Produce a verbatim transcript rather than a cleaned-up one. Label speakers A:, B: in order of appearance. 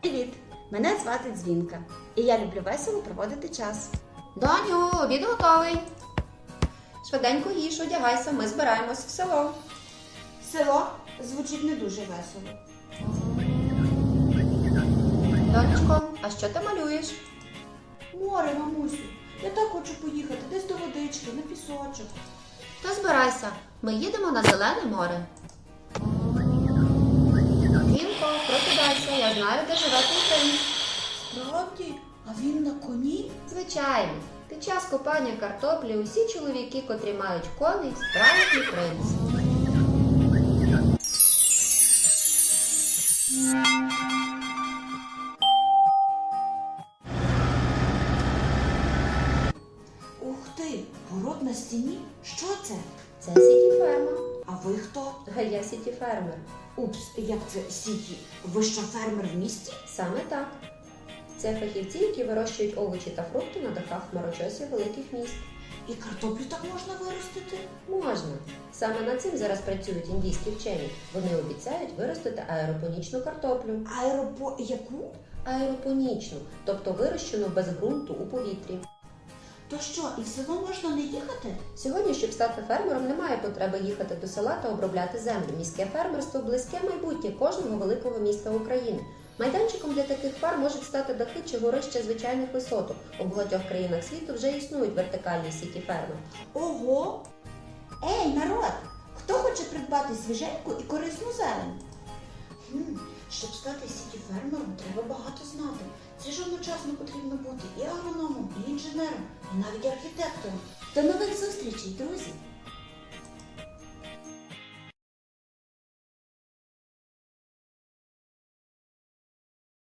A: Привіт! Мене звати Дзвінка, і я люблю весело проводити час.
B: Доню, обід готовий. Швиденько їж, одягайся, ми збираємось в село.
A: Село звучить не дуже весело.
B: Донечко, а що ти малюєш?
A: Море, мамусю, я так хочу поїхати десь до водички, на пісочок.
B: То збирайся, ми їдемо на Зелене море. Дзвінко, прокидайся, я знаю, де живе твій принц.
A: Справді? А він на коні?
B: Звичайно, під час копання картоплі усі чоловіки, котрі мають коней, справжній принц.
A: Ух ти, город на стіні? Що це?
B: Це сіті-ферма.
A: А ви хто?
B: А я сіті-фермер.
A: Упс, як це сіті? Ви що, фермер в місті?
B: Саме так. Це фахівці, які вирощують овочі та фрукти на дахах хмарочосів великих міст.
A: І картоплю так можна виростити?
B: Можна. Саме над цим зараз працюють індійські вчені. Вони обіцяють виростити аеропонічну картоплю.
A: Аеропо... яку?
B: Аеропонічну, тобто вирощену без ґрунту у повітрі.
A: То що, і в село можна не їхати?
B: Сьогодні, щоб стати фермером, немає потреби їхати до села та обробляти землю. Міське фермерство – близьке майбутнє кожного великого міста України. Майданчиком для таких ферм можуть стати дахи чи горища звичайних висоток. У багатьох країнах світу вже існують вертикальні сіті-ферми.
A: Ого! Ей, народ! Хто хоче придбати свіженьку і корисну зелень? Хм, щоб стати сіті-фермером, треба багато знати. Це ж одночасно потрібно бути і агрономом, і інженером, і навіть архітектором. До нових зустрічей, друзі!